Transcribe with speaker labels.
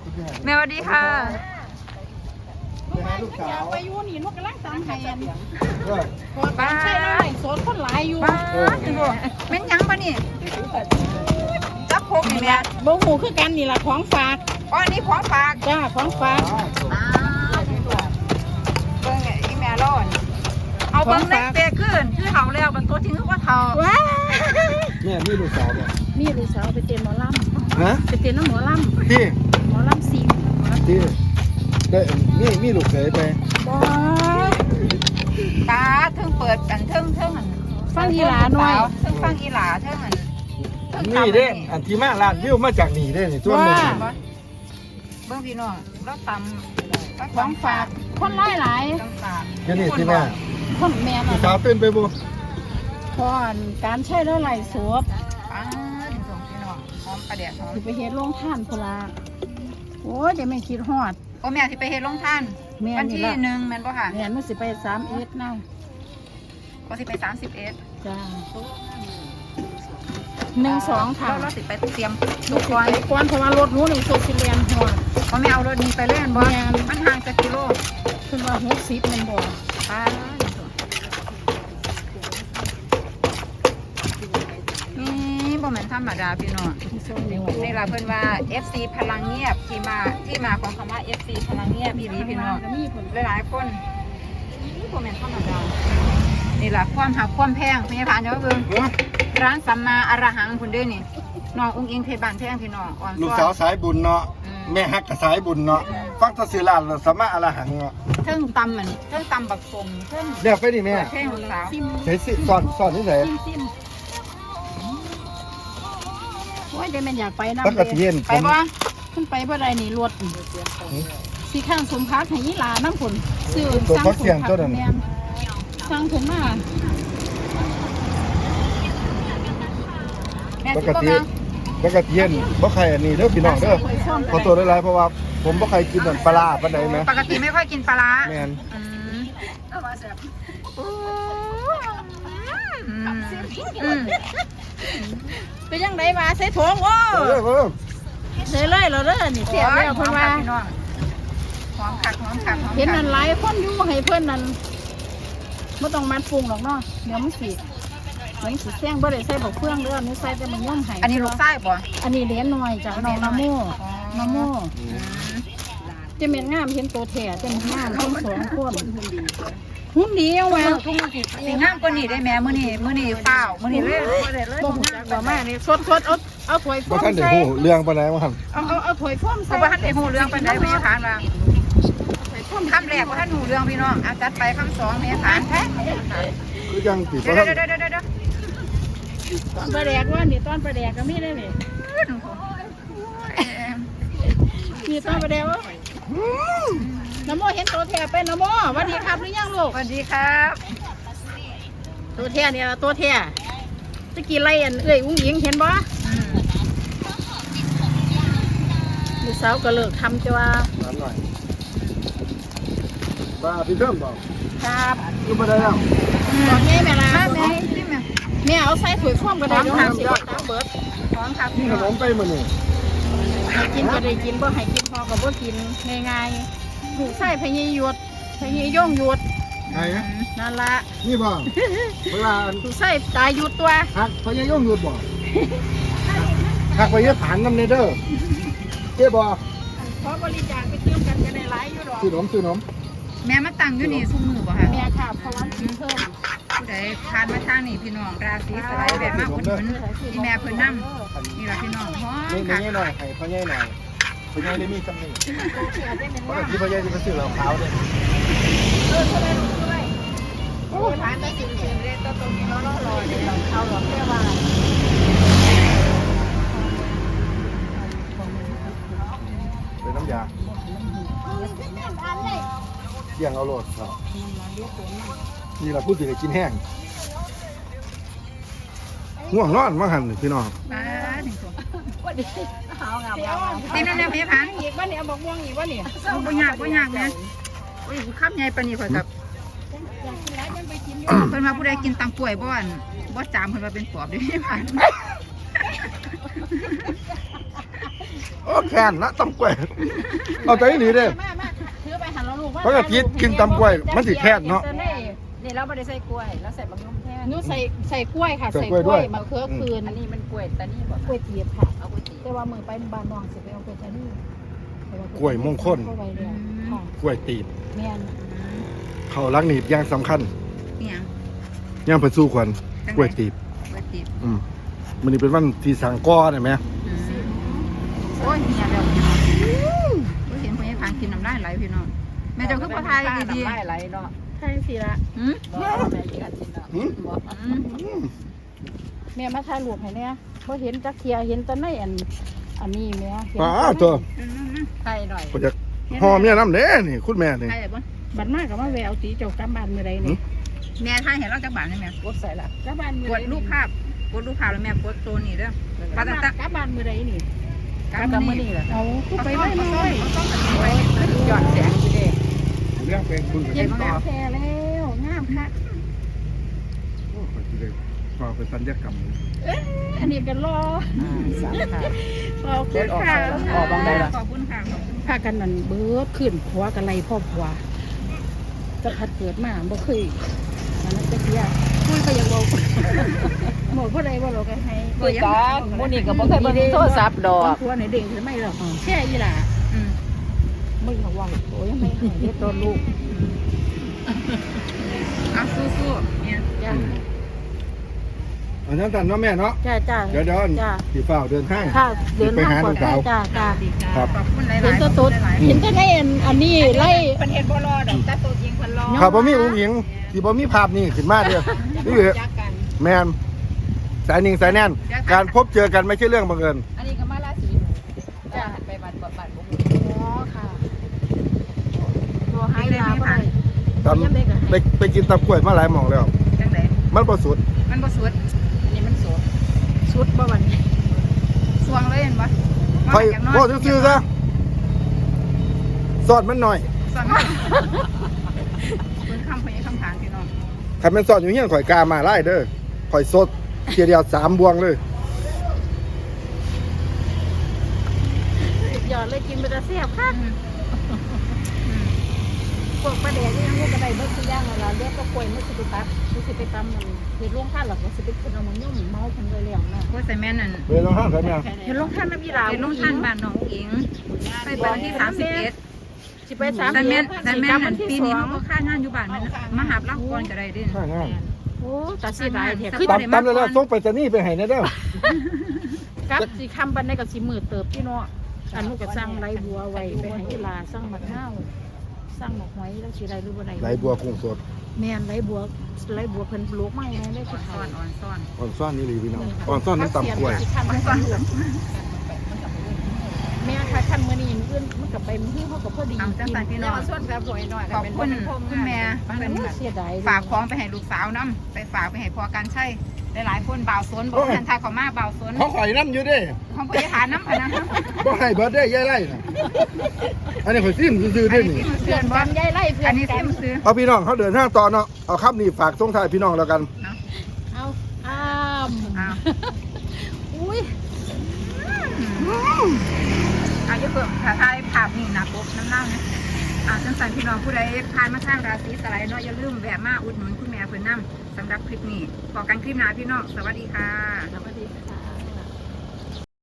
Speaker 1: แม่สวัสดีค่ะ
Speaker 2: ลูกสาวไปอยู่นี่ลูกกำลังตามแผน
Speaker 1: บ้า
Speaker 2: ใช่แล้วไอ้โซนคนหลายอยู่
Speaker 1: บ้าเม้นยังปะนี่จับพกนี่แม่
Speaker 2: บ่หูคือกันนี่ล่ะของฝาก
Speaker 1: อ๋อนี่ของฝาก
Speaker 2: จ้าของฝาก
Speaker 1: เบิ่งไงอีแม่ร้อนเอาเบิ่งในเปขึ้นคือเฒ่าแล้วบางตัวทิ้งว่าเฒ่า
Speaker 2: ว้า
Speaker 3: เนี่ยมีลูกสาวเนี่ย
Speaker 2: นี่ลูกสาวไปเต้นหมอล
Speaker 3: ฮะ
Speaker 2: ำไปเต้นน้ำหมอล
Speaker 3: ที่
Speaker 2: ำหมอลำสิง
Speaker 3: ที่ได้มีลูกเขยไป
Speaker 2: บ่
Speaker 1: ตาเทิงเปิดกันเทิงอัน
Speaker 2: ฟังอีหลาหน่อย
Speaker 1: เทิงฟังอีหลาเทิงอันเทิง
Speaker 3: นี่เด้อันที่มาล้านวิวมาจากนี่เด้นี่ตัวนึง
Speaker 1: เบิ่งพี่น้องเราตำ
Speaker 2: ของฝากคนหลายหลาย
Speaker 1: ต้องตาม
Speaker 3: แค่นี้ที่แม่
Speaker 2: คนแม่
Speaker 3: ลู
Speaker 2: น่ะ
Speaker 3: กสาวเต้นไปบ่
Speaker 2: พรการใช้แล้วไหลสวบ
Speaker 1: ป้าถึงส่งพี่น้องหอมประเดี๋ยวหอม
Speaker 2: สิไปเฮ็ดโรงท่านพุ่นล่ะโอ้ยเดี๋ยวแม่คิดฮอด
Speaker 1: โอ้แม่ที่ไปเฮ็ดลงท่าน
Speaker 2: แม่
Speaker 1: วัน
Speaker 2: นี่
Speaker 1: ที่
Speaker 2: ล่ะ
Speaker 1: 1แม่นบ่ค่ะ
Speaker 2: แม่มันสิไป31นะ
Speaker 1: ก็สิไป31
Speaker 2: จ้า1-2ค่ะ
Speaker 1: เราสิไปเตรียม
Speaker 2: ลู
Speaker 1: ตุ
Speaker 2: ก
Speaker 1: ก
Speaker 2: ก่
Speaker 1: ก่
Speaker 2: อ
Speaker 1: อน น
Speaker 2: ก่อนเพราะว่ารถหนูนี่สุดสิเรียนหัว
Speaker 1: ก็ไม่เอารถนี้ไปเล่นบ่
Speaker 2: แม่น
Speaker 1: มันห่างจากกิโล
Speaker 2: เพิ่นว่า60แม่นบ่
Speaker 1: ป้านี่บ่แม่นธรรมดาพี่น้อง
Speaker 2: ที่ส่งนี่
Speaker 1: นี่ล่ะเพิ่นว่า FC พลังเงียบที่มาของคำว่า FC พลังเงียบอีหลีพี่น้อง
Speaker 2: ก็มีผล
Speaker 1: หลายๆคนนี่บ่แม่นธรรมดานี่ล่ะความหักความแพงพี่ผ่านเด้อเบิ่งร้านสัมมาอรหังพุ่นเด้นี่น้องอุ้งอิงเพชรบ้านแพงพี่น้องอ่อน
Speaker 3: ลูก
Speaker 1: ซ้
Speaker 3: สา
Speaker 1: อ
Speaker 3: วน สายบุญเนาะแม่ฮักกับสายบุญเนาะฟังแตะสิลานแล้วสามารถอรหังเนาะ
Speaker 1: เทิงตำมันเทิงตำบักสมเทิง
Speaker 3: เรียกไปดิแม่
Speaker 1: เทิงลูกสาว
Speaker 2: ซิม
Speaker 3: ใช้สิสอนนี่ไส
Speaker 2: ซิมโอ้ยเดี๋ยวแม่นอยากไปนำ
Speaker 3: ปกติเย็น
Speaker 1: ไปบ่
Speaker 2: ขึ้นไปบ่ได้นี่รถสิข้างสมพักให้ยีหลาน้ำผลซื้อ
Speaker 3: ตัว
Speaker 2: สั่ง
Speaker 3: พัก
Speaker 2: สม
Speaker 3: เสียง
Speaker 2: พั
Speaker 3: ตัว
Speaker 2: ก
Speaker 3: นั้น
Speaker 2: แม่นสั่งผมมา
Speaker 1: แม่
Speaker 3: ป
Speaker 1: สิ
Speaker 3: ก
Speaker 1: บ่
Speaker 3: ติ
Speaker 1: มา
Speaker 3: ปกติเย็นบ่ใครอันนี้เด้อพี่น้องเด้อขอตัวหลายๆเพราะว่าผมบ่ใครกินปลาร้าปานใดแม่
Speaker 1: ปกติไม่ค่อยกินปลาร้า
Speaker 3: แม่น
Speaker 1: อืมอืม
Speaker 2: เป็นยังไงมาใส่ถุงโอ้
Speaker 3: เออ
Speaker 2: ใส่เลยเราเด้อนี่เสียแล้วเพิ่นว่า
Speaker 1: หอมคักหอมคักหอม
Speaker 2: เห็น
Speaker 1: คั
Speaker 2: นั่
Speaker 1: ก
Speaker 2: นหลายคนอยู่ให้เพิ่นนั่นบ่ต้องมัดปรุงหรอกเนาะเดี๋ยวมันสิแซงบ่ได้ใส่บักเฟืองเด้อนี่ใส่แต่มันย่อมให้
Speaker 1: อันนี้ลูกไส้บ่
Speaker 2: อันนี้เหรียญน้อยจากน้องนโมจะเม็ดงามเห็นตัวแท้จะเม็ดงามทั้งสองคนหุ่นดีเอาว่า
Speaker 1: ทุ่งสีงามกว่านี้ได้แม่มื้อนี้เปล่ามื้อนี้เลยบ่ได้เลย
Speaker 2: บ่ฮู้จักบ่มานี่สดเอาถ้วย
Speaker 3: บ่
Speaker 2: ฟ้อม
Speaker 3: ทันได้
Speaker 2: ใส่
Speaker 3: ฮู้เรื่องปานใดว่าหั่น
Speaker 2: เอาถ้วยฟ้อม
Speaker 1: เพ
Speaker 2: ใส่
Speaker 1: ราะว่าท่านได้ฮู้เรื่องปานใดแม่ทานว่าคำแรกว่าท่านฮู้เรื่องพี่น้องเอาจัดไปคำสองแม่ทานแท้
Speaker 3: คือจังสิ
Speaker 1: เดี๋
Speaker 3: บ่
Speaker 1: ยว
Speaker 3: ทัน
Speaker 2: ตอนปลาแดกว่านี่ตอนปลาแดกก็มีได้นี่นี่ตอนปลาแดกว่าน้ำโมเห็นตัวแท้เป็นน้ำโมสวัสดีครับหรือยังลูก
Speaker 1: สวัสดีครับ
Speaker 2: ตัวแท้เนี่ยตัวแท้ตะกี้ไล่อันเอ้ยอุ้งหญิงเห็นบ่ลูกสาวก็เลิกทำจ้า
Speaker 3: น้ำหน่อยป้าพี่เพิ่มบ่
Speaker 2: ครับ
Speaker 3: อยู่บ่ได้แล้ว
Speaker 2: บอกไงแม่ล่ะ
Speaker 1: แม่ที่แม่
Speaker 2: แม่เอาใส่ถ้วยฟ้อมก็ได้เดี๋ยวสิตาเบิด
Speaker 1: พร้อมครับ
Speaker 3: นี่ขนมไปมื้อนี้
Speaker 2: ให้กินก็ได้กินบ่ให้กินพอก็บ่กินง่ายๆลูกใส่พญหยวดพญย่องหยวด
Speaker 3: ไงฮะ
Speaker 2: นั่นละ
Speaker 3: นี่บ่เวลา
Speaker 2: ลูกใส่ตายหยุดตัว
Speaker 3: ฮักพญายงหยุดบ่ฮักพญาผานนำเด้อเจ้บ่
Speaker 2: เพราะบริจาคไปเที่ยวกันก็ได้หลายอยู่ดอก
Speaker 3: ซื้อนม
Speaker 1: แม่มาตั้งอยู่นี่ซุ่มมือบ่ค่ะ
Speaker 2: แม่ค่ะเพราะว่ากินเพิ่ม
Speaker 1: ผู้ใดทานมาทางนี่พี่น้องราศีสไลด์แบบมาอุดหนุนที่แม่เพิ่นนํนี่ล่ะพี่น้องฮ้อ
Speaker 3: นี่
Speaker 1: ค่ะ
Speaker 3: นี่หน่อยให้พญายหน่อยพญายได้มีจำนี่เพราะที่พญายที่ไปซื้อเหล้าขาวเด้
Speaker 1: โอ้ทานได้สิเรียนตัวตรงนี้แล้วรอเดี๋ยวเอาหรอกแค่ว่า
Speaker 3: เป็นน้ำยาเลี้ยงเอาโลดครับนี่ล่ะพูดสิได้กินแห้งง่วงนอนมาหั่นพี่น้อง
Speaker 1: บ้าถึงตัว
Speaker 2: เอางาม
Speaker 1: นี่นั่นแหละพี่พัน
Speaker 2: อีกว่าเนี่ยบอกม่วงอีกว่าเนี่ย
Speaker 1: บ่ยากนะโอ้ยคำใหญ่ปานนี้ข่อยกับ
Speaker 2: อยากกินแล้วยังไปกินอยู่
Speaker 1: เพิ่นว่าผู้ใดกินตังป่วยบ่อันบ่จามเพิ่นว่าเป็นปอบเด้พี่พัน
Speaker 3: โอ้แค้นนะตำกล้วยเอาใจหนีเด้
Speaker 2: มาถือไปหันแล้วลูก
Speaker 3: เพราะกะทิกินตำกล้วยมันสิแค้นเนาะ
Speaker 1: นี่เราไม่ได้ใส่กล้วยเราใส่บะหมี่แทน
Speaker 2: หนูใส่กล้วยค่ะ
Speaker 3: ใส่
Speaker 2: ใส่
Speaker 3: กล้วย
Speaker 2: ก
Speaker 3: ด้
Speaker 2: ล้ว
Speaker 3: วย
Speaker 2: ยมะเขือคืน
Speaker 1: อันนี้มันกล้วยแต่นี่บอก
Speaker 2: กล้วยเตียบค่ะ
Speaker 1: เอากล้วยตี
Speaker 2: แต่ว่ามือไปบ้านน้องสิไปเอากล้วยตานี
Speaker 3: กล้วยมงคล
Speaker 2: เข้าไปเลยค่ะ
Speaker 3: กล้วยตีบ
Speaker 2: แม่น
Speaker 3: เขาลักหนีบอย่างสำคัญ
Speaker 1: นี่ยัง
Speaker 3: ย่างเพิ่นสู้ขวัญกล้วยตีบ
Speaker 1: กล้วยตีบ
Speaker 3: มันนี่เป็นวันที่สังก้อได้ไหม
Speaker 1: โอ้ยเมียเดี๋ยวเห็นคนยังทานกินน้ำลายไหลพี่น้องแม่เจ้าคือพ่อไทยดีๆน้ำลายไหลเนาะ
Speaker 2: ใช่สิละ
Speaker 1: แม่กินกันกินเนาะบอก
Speaker 2: แม่มาถ่ายรูปให้เนี่ยพอเห็นจักเทียเห็นแตะในอันนี้แม่เห็น
Speaker 3: ป้าตัว
Speaker 1: ไทยหน่อย
Speaker 3: ก็จะหอมเนี่ยน้ำเด้นี่คุณแม่นี่
Speaker 1: ไทยแบบว่า
Speaker 2: บัดมากกับว่าแววตีเจ้ากลับบ้านมื้อใดนี่
Speaker 1: แม่ไทยเห็นเราจากบ้านได้ไหมกดใส่ละ
Speaker 2: กลับบ้านมื้อก ใด
Speaker 1: ดรูปภาพกดรูปภาพแล้วแม่กดโซนนี่เด้อก
Speaker 2: ลับบ้านมื้อใดนี่
Speaker 1: กับมือนี่แหละ
Speaker 2: เอาคือไปไว้เลย
Speaker 1: หย่อนแสงสิเด้
Speaker 3: เรื่องเป็นคุณกับ
Speaker 2: เห็น
Speaker 3: ต่อ
Speaker 2: แท้แล้วงามคัก
Speaker 3: โอ้ยเลยพอเป็นสัญญกรรม
Speaker 2: อันนี้ก็รอ
Speaker 1: สามค่ะ
Speaker 2: ขอบคุณค่ะ
Speaker 1: ออกบางใดล่ะขอบคุณค่ะ
Speaker 2: พากันนั่นเบิดขึ้นผัวกันไล่พ่อผัวจะพัดเกิดมาบ่เคยมันนั้นจะเกียมันก็ยังบอกบอกผู้ใดว่าเราก็ให้
Speaker 1: คือกันมื้อนี้ก็บ่เคยเบิ่งโทรศัพท์ดอก
Speaker 2: ผัวไหนเด้งขึ้นไม่หรอกแค่ยี่หล่ะมึงระวังโอ้ยไม่ให้เฮ็ดตัวลูก
Speaker 1: เอาสู้ๆเนี่ย
Speaker 2: จ้า
Speaker 3: อันนั้นตันเนาะแม่เนาะ
Speaker 2: จ้าจ้า
Speaker 3: เดี๋ยว
Speaker 2: จ้า
Speaker 3: สีฟ้าเดินทาง
Speaker 2: ค่ะเดินทางปลอดภัยจ้าจ้า
Speaker 3: ครับ
Speaker 1: ขอบคุณหลายๆ
Speaker 2: เห็นตัวตุ๊ดเห็นตัวในอันนี้ไล่
Speaker 1: เพิ่นเฮ็ดบ่รอดอกแต่ตัวจริงเพิ่นรอ
Speaker 3: ครับบ่มีอุ้งอิงที่บ่มีภาพนี่ขึ้นมาเด้อนี่คือ
Speaker 1: จักกัน
Speaker 3: แมนสายนิ่งสายแน่น การพบเจอกันไม่ใช่เรื่องบังเอิญ
Speaker 1: อันนี้ก็มาราศีจ้าไปบ้านบ่บ้านบ่
Speaker 2: อ๋อค่ะตัวให้ลาไป
Speaker 3: ตำไปกินตำกล้วยมาหลายหม่องแล้ว
Speaker 1: จังได๋
Speaker 3: มันบ่สุด
Speaker 1: มันบ่สวดนี่มันสวด
Speaker 2: ชุดบ่วันนี้
Speaker 1: สวงเลยเห็นบ่
Speaker 3: คอยบ่ซื่อๆซะสอดมันหน่อย
Speaker 1: สวงมาเพิ่นคำเพิ่นคำถามพี่น้อง
Speaker 3: คันแม่นสอดอยู่เฮียนข่อยกามาไล่เด้อข่อยสดเทียเดียว3บวงเลย
Speaker 2: หยอดเลยกินไปแต่เสียบค่ะพวกประเดี๋ยวนี่มันก็ได้เบิดทุกอย่างแล้วเรียกก็ป่วยไม่สิไปตัดไม่สิไปตำมันเห็นลงท่านหรอกว่าสิไปกินเอามันยุ่งเมาพันเลยแล้วนะ
Speaker 1: โคใส่แม่นั่น
Speaker 3: เวลาห้างใส่แม่
Speaker 2: เห็นลงท่านน้ำยีรา
Speaker 1: เป็นน้องท่านบ้านน้องอิงไปบ้านที่31
Speaker 2: สิไป3
Speaker 1: แต่แม่น
Speaker 2: เดือน
Speaker 1: แต่แม่น
Speaker 2: วั
Speaker 1: มัน
Speaker 2: ที่
Speaker 1: ปีนี้
Speaker 2: 2
Speaker 1: มันก็ค่างานอยู่บ้านมันมาหารับก่อนก็ได้เด้
Speaker 3: ข้างงาน
Speaker 2: โอ้ตัดสิได้แท้
Speaker 1: คื
Speaker 2: คือ อ
Speaker 3: ตำแล้วส่งไปจะนี่ไปให้แน่เด้อ
Speaker 2: กับสิคำบันไดกับสิมือเติบพี่เนาะอันนู้นก็สร้างไรบัวไว้ไปให้ยีราสร้างมะนาวสร้างหมกหอยแล้วสิไรหรือบ่ไร
Speaker 3: ไหลบัวกุ้งสด
Speaker 2: แม่นไรบัวเพิ่นปลูกไม้ไงได้
Speaker 1: อ่
Speaker 2: คือ
Speaker 1: อน
Speaker 2: เขา
Speaker 1: ซ่อน
Speaker 3: อ่อนซ่อนนี่หลีพี่น้องอ่อนซ่อนน้ำตำกล้วย
Speaker 2: แม่ค่ะขั้นมื้อนี้มื้ออื่นมันก็ไปมื้อเขาก็พอดี
Speaker 1: เอาจังสันพี่น้อง
Speaker 2: ส่วนแบบหวยหน่อย
Speaker 1: ขอบคุณคุณแม่เป็น
Speaker 2: เสียดาย
Speaker 1: ฝากของไปให้ลูกสาวน้ำไปฝากไปให้พอกันใช่หลายๆคนบ่าวสนบอกทันทายเขามาบ่าวสน
Speaker 3: เขาข่อยน้ำอยู่เด้
Speaker 1: ของพยาฐานน้ำพนัน
Speaker 3: บ่ให้เบิดได้ยายไล่น่ะอันนี้ข่อยซิมซื่อๆ
Speaker 1: อั
Speaker 3: เด้
Speaker 1: นนี้
Speaker 3: นี่
Speaker 1: ที่มัน
Speaker 2: เพื่
Speaker 1: เสื่
Speaker 2: อ
Speaker 1: อน น
Speaker 2: กั
Speaker 1: บ้าน น
Speaker 2: ยายไล่เพื่อ
Speaker 1: อั
Speaker 2: น
Speaker 1: นนี้
Speaker 2: กั
Speaker 1: ที่
Speaker 2: น
Speaker 1: มันซื้อ
Speaker 3: เอาพี่น้องเขาเดินทางต่อเนาะเอาครับนี่ฝากส่งท้ายพี่น้องแล้วกัน
Speaker 2: เอาอ้าม
Speaker 1: อ้าว
Speaker 2: อุ้ย
Speaker 1: อายุเพิ่มถ่ายภาพนี่หนักปุ๊บน้ำเน่าเนี่ยจังสันพี่น้องผู้ใดผ่านมาทางราศีสไลด์เนาะอย่าลืมแวะมาอุดหนุนคุณแม่เพิ่นนำสำหรับคลิปนี้พอกันคลิปหน้าพี่น้องสวัสดีค่ะ
Speaker 2: สวัสดีค่ะ